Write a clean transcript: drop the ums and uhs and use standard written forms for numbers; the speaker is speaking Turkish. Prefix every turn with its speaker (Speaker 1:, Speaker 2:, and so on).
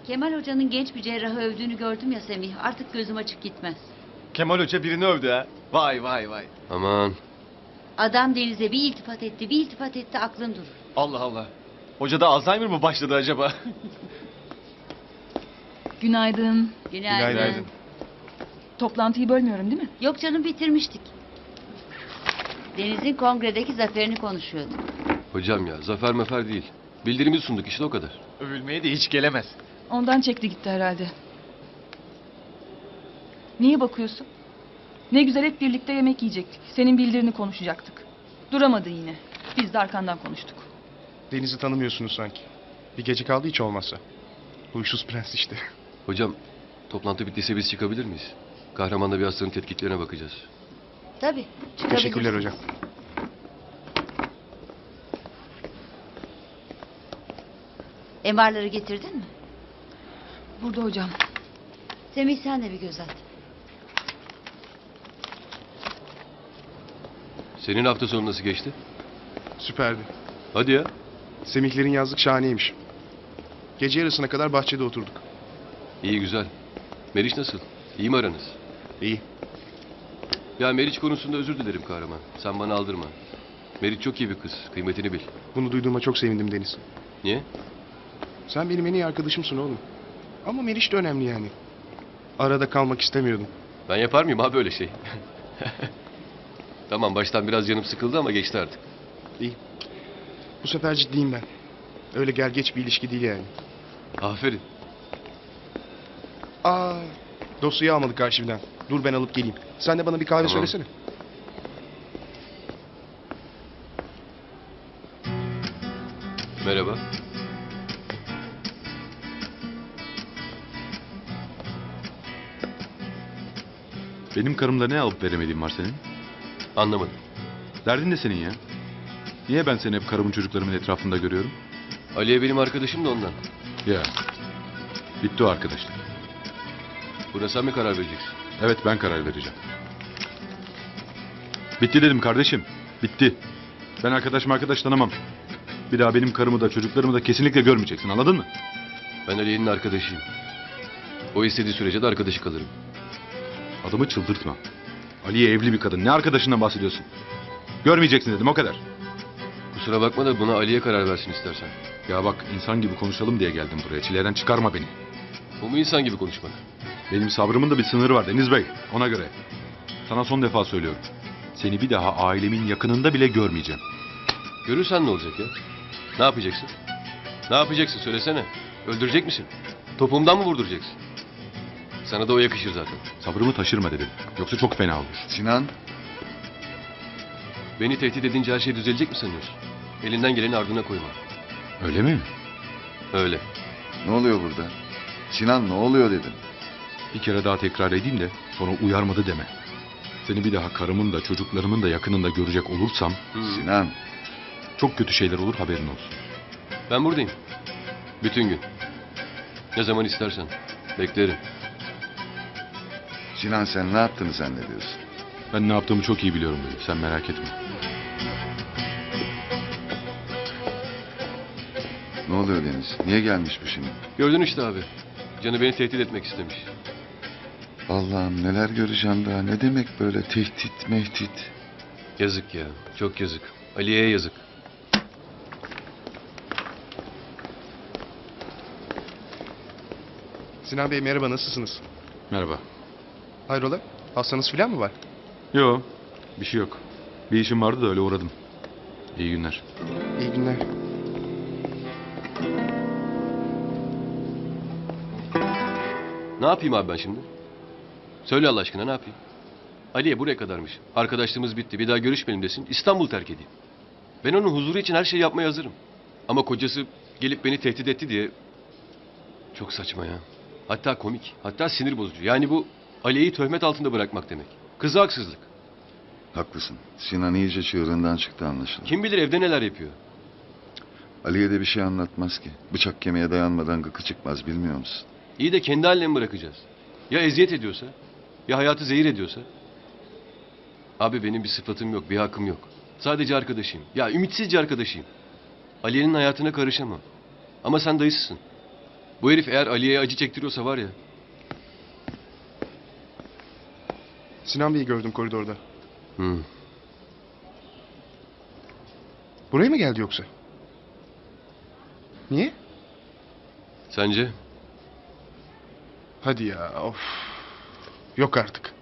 Speaker 1: Kemal Hoca'nın genç bir cerrahı övdüğünü gördüm ya Semih. Artık gözüm açık gitmez.
Speaker 2: Kemal Hoca birini övdü ha. Vay vay vay.
Speaker 3: Aman.
Speaker 1: Adam Deniz'e bir iltifat etti aklın durur.
Speaker 2: Allah Allah. Hocada Alzheimer mı başladı acaba?
Speaker 4: Günaydın.
Speaker 1: Günaydın.
Speaker 4: Toplantıyı bölmüyorum değil mi?
Speaker 1: Yok canım, bitirmiştik. Deniz'in kongredeki zaferini konuşuyorduk.
Speaker 3: Hocam ya zafer mefer değil. Bildirimi sunduk işte o kadar.
Speaker 2: Övülmeye de hiç gelemez.
Speaker 4: Ondan çekti gitti herhalde. Niye bakıyorsun? Ne güzel hep birlikte yemek yiyecektik. Senin bildirini konuşacaktık. Duramadın yine. Biz de arkandan konuştuk.
Speaker 5: Deniz'i tanımıyorsunuz sanki. Bir gece kaldı hiç olmazsa. Huysuz prens işte.
Speaker 3: Hocam toplantı bittiyse biz çıkabilir miyiz? Kahramanla bir hastanın tetkiklerine bakacağız.
Speaker 1: Tabii.
Speaker 5: Teşekkürler hocam.
Speaker 1: MR'ları getirdin mi?
Speaker 4: Burada hocam.
Speaker 1: Semih, sen de bir göz at.
Speaker 3: Senin hafta sonu nasıl geçti?
Speaker 5: Süperdi.
Speaker 3: Hadi ya.
Speaker 5: Semihlerin yazlık şahaneymiş. Gece yarısına kadar bahçede oturduk.
Speaker 3: İyi güzel. Meriç nasıl? İyi mi aranız?
Speaker 5: İyi.
Speaker 3: Ya Meriç konusunda özür dilerim kahraman. Sen bana aldırma. Meriç çok iyi bir kız. Kıymetini bil.
Speaker 5: Bunu duyduğuma çok sevindim Deniz.
Speaker 3: Niye?
Speaker 5: Sen benim en iyi arkadaşımsın oğlum. Ama Meriç de önemli yani. Arada kalmak istemiyordum.
Speaker 3: Ben yapar mıyım abi öyle şey? Tamam baştan biraz canım sıkıldı ama geçti artık.
Speaker 5: İyi. Bu sefer ciddiyim ben. Öyle gel geç bir ilişki değil yani.
Speaker 3: Aferin.
Speaker 5: Aa, dosyayı almadık arşivden. Dur ben alıp geleyim. Sen de bana bir kahve
Speaker 3: Tamam.
Speaker 5: söylesene.
Speaker 3: Merhaba.
Speaker 6: Benim karımda ne alıp veremediğim var senin?
Speaker 3: Anlamadım.
Speaker 6: Derdin ne senin ya? Niye ben seni hep karımın çocuklarımın etrafında görüyorum?
Speaker 3: Aliye benim arkadaşım da ondan.
Speaker 6: Ya. Bitti o arkadaşlık.
Speaker 3: Buna sen mi karar vereceksin?
Speaker 6: Evet ben karar vereceğim. Bitti dedim kardeşim. Bitti. Ben arkadaş tanımam. Bir daha benim karımı da çocuklarımı da kesinlikle görmeyeceksin, anladın mı?
Speaker 3: Ben Aliye'nin arkadaşıyım. O istediği sürece de arkadaşı kalırım.
Speaker 6: Adamı çıldırtma. Aliye evli bir kadın. Ne arkadaşından bahsediyorsun? Görmeyeceksin dedim, o kadar.
Speaker 3: Kusura bakma da buna Aliye karar versin istersen.
Speaker 6: Ya bak, insan gibi konuşalım diye geldim buraya. Çileden çıkarma beni.
Speaker 3: Bu mu insan gibi konuşmak?
Speaker 6: Benim sabrımın da bir sınırı var Deniz Bey. Ona göre. Sana son defa söylüyorum. Seni bir daha ailemin yakınında bile görmeyeceğim.
Speaker 3: Görürsen ne olacak ya? Ne yapacaksın? Ne yapacaksın söylesene. Öldürecek misin? Topuğumdan mı vurduracaksın? Sana da o yakışır zaten.
Speaker 6: Sabrımı taşırma dedim. Yoksa çok fena olur.
Speaker 7: Sinan,
Speaker 3: Beni tehdit edince her şey düzelecek mi sanıyorsun? Elinden geleni ardına koyma.
Speaker 6: Öyle mi?
Speaker 3: Öyle.
Speaker 7: ne oluyor burada? Sinan ne oluyor dedim.
Speaker 6: Bir kere daha tekrar edeyim de sonra uyarmadı deme. Seni bir daha karımın da çocuklarımın da yakınında görecek olursam
Speaker 7: Sinan,
Speaker 6: çok kötü şeyler olur, haberin olsun.
Speaker 3: Ben buradayım. Bütün gün. Ne zaman istersen. Beklerim.
Speaker 7: Sinan sen ne yaptığını zannediyorsun?
Speaker 6: Ben ne yaptığımı çok iyi biliyorum böyle. Sen merak etme.
Speaker 7: Ne oluyor Deniz? Niye gelmiş bu şimdi?
Speaker 3: Gördün işte abi. Canı beni tehdit etmek istemiş.
Speaker 7: Allah'ım neler göreceğim daha. Ne demek böyle tehdit mehdit?
Speaker 3: Yazık ya. Çok yazık. Aliye'ye yazık.
Speaker 5: Sinan Bey merhaba, nasılsınız?
Speaker 6: Merhaba.
Speaker 5: Hayrola? Hastanız falan mı var?
Speaker 6: Yo, bir şey yok. Bir işim vardı da öyle uğradım. İyi günler.
Speaker 5: İyi günler.
Speaker 3: Ne yapayım abi ben şimdi? Söyle Allah aşkına ne yapayım? Aliye buraya kadarmış. Arkadaşlığımız bitti. Bir daha görüşmeyelim desin. İstanbul terk edeyim. Ben onun huzuru için her şeyi yapmaya hazırım. Ama kocası gelip beni tehdit etti diye... Çok saçma ya. Hatta komik. Hatta sinir bozucu. Yani bu Aliye'yi töhmet altında bırakmak demek. Kıza haksızlık.
Speaker 7: Haklısın. Sinan iyice çığırından çıktı anlaşılan.
Speaker 3: Kim bilir evde neler yapıyor.
Speaker 7: Ali'ye de bir şey anlatmaz ki. Bıçak kemiğe dayanmadan gıkı çıkmaz bilmiyor musun?
Speaker 3: İyi de kendi haline mi bırakacağız? Ya eziyet ediyorsa? Ya hayatı zehir ediyorsa? Abi benim bir sıfatım yok, bir hakkım yok. Sadece arkadaşıyım. Ya ümitsizce arkadaşıyım. Aliye'nin hayatına karışamam. Ama sen dayısısın. Bu herif eğer Aliye'ye acı çektiriyorsa var ya.
Speaker 5: Sinan Bey'i gördüm koridorda.
Speaker 3: Hı.
Speaker 5: Buraya mı geldi yoksa? Niye?
Speaker 3: Sence?
Speaker 5: Hadi ya of. Yok artık.